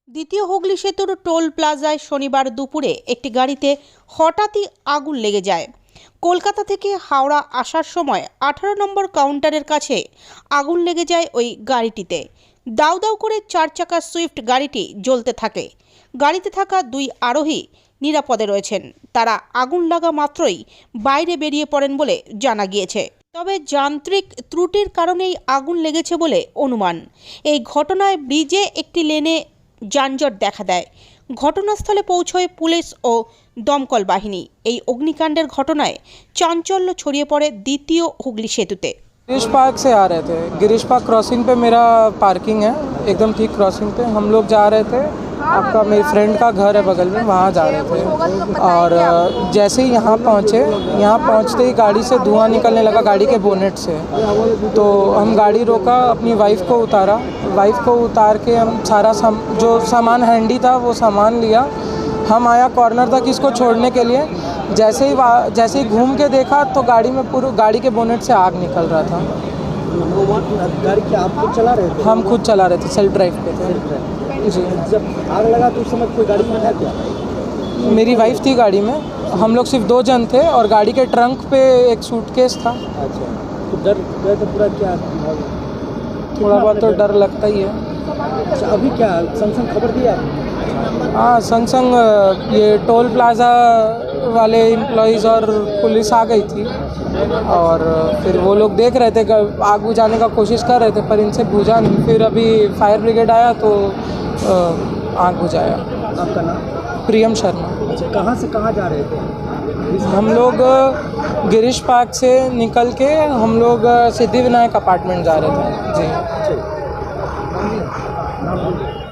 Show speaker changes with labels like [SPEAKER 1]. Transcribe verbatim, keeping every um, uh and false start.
[SPEAKER 1] দ্বিতীয় হুগলি সেতুর টোল প্লাজায় শনিবার দুপুরে একটি গাড়িতে হঠাৎই আগুন লেগে যায়। কলকাতা থেকে হাওড়া আসার সময় আঠারো নম্বর কাউন্টারের কাছে আগুন লেগে যায় ওই গাড়িটিতে। দাউ দাউ করে চার চাকা সুইফট গাড়িটি জ্বলতে থাকে। গাড়িতে থাকা দুই আরোহী নিরাপদে রয়েছেন। তারা আগুন লাগা মাত্রই বাইরে বেরিয়ে পড়েন বলে জানা গিয়েছে। তবে যান্ত্রিক ত্রুটির কারণেই আগুন লেগেছে বলে অনুমান। এই ঘটনায় ব্রিজে একটি লেনে যানজট দেখা দেয়। ঘটনাস্থলে পৌঁছয় পুলিশ ও দমকল বাহিনী। এই অগ্নিকাণ্ডের ঘটনায় চাঞ্চল্য ছড়িয়ে পড়ে দ্বিতীয় হুগলি সেতুতে।
[SPEAKER 2] गिरीश पार्क से आ रहे थे। गिरीश पार्क क्रॉसिंग पे मेरा पार्किंग है, एकदम ठीक क्रॉसिंग पे हम लोग जा रहे थे। आपका मेरी फ्रेंड का घर है बगल में, वहाँ जा रहे थे। और जैसे ही यहाँ पहुँचे, यहाँ पहुँचते ही गाड़ी से धुआं निकलने लगा, गाड़ी के बोनेट से। तो हम गाड़ी रोका, अपनी वाइफ को उतारा। वाइफ को उतार के हम सारा सम, जो सामान हैंडी था वो सामान लिया। हम आया कॉर्नर तक इसको छोड़ने के लिए। जैसे ही जैसे ही घूम के देखा तो गाड़ी में पूरी गाड़ी के बोनेट से आग निकल रहा था।
[SPEAKER 3] गाड़ी क्या आप खुद चला रहे थे?
[SPEAKER 2] हम खुद चला रहे थे, सेल्फ ड्राइव पे थे जी।
[SPEAKER 3] जब आग लगा तो उस समय कोई गाड़ी में था क्या?
[SPEAKER 2] मेरी वाइफ थी गाड़ी में, हम लोग सिर्फ दो जन थे और गाड़ी के ट्रंक पे एक सूटकेस था।
[SPEAKER 3] अच्छा, तो डर गए तो पूरा क्या?
[SPEAKER 2] थोड़ा बहुत तो डर लगता ही है।
[SPEAKER 3] अच्छा, अभी क्या संग संग खबर दिया?
[SPEAKER 2] हाँ, संग संग ये टोल प्लाज़ा वाले एम्प्लॉइज़ और पुलिस आ गई थी और फिर वो लोग देख रहे थे, आग बुझाने का कोशिश कर रहे थे पर इनसे बुझा नहीं। फिर अभी फायर ब्रिगेड आया तो आग बुझाया।
[SPEAKER 3] आपका नाम?
[SPEAKER 2] प्रियम शर्मा।
[SPEAKER 3] अच्छा, कहाँ से कहाँ जा रहे थे?
[SPEAKER 2] हम लोग गिरीश पार्क से निकल के हम लोग सिद्धिविनायक अपार्टमेंट जा रहे थे जी।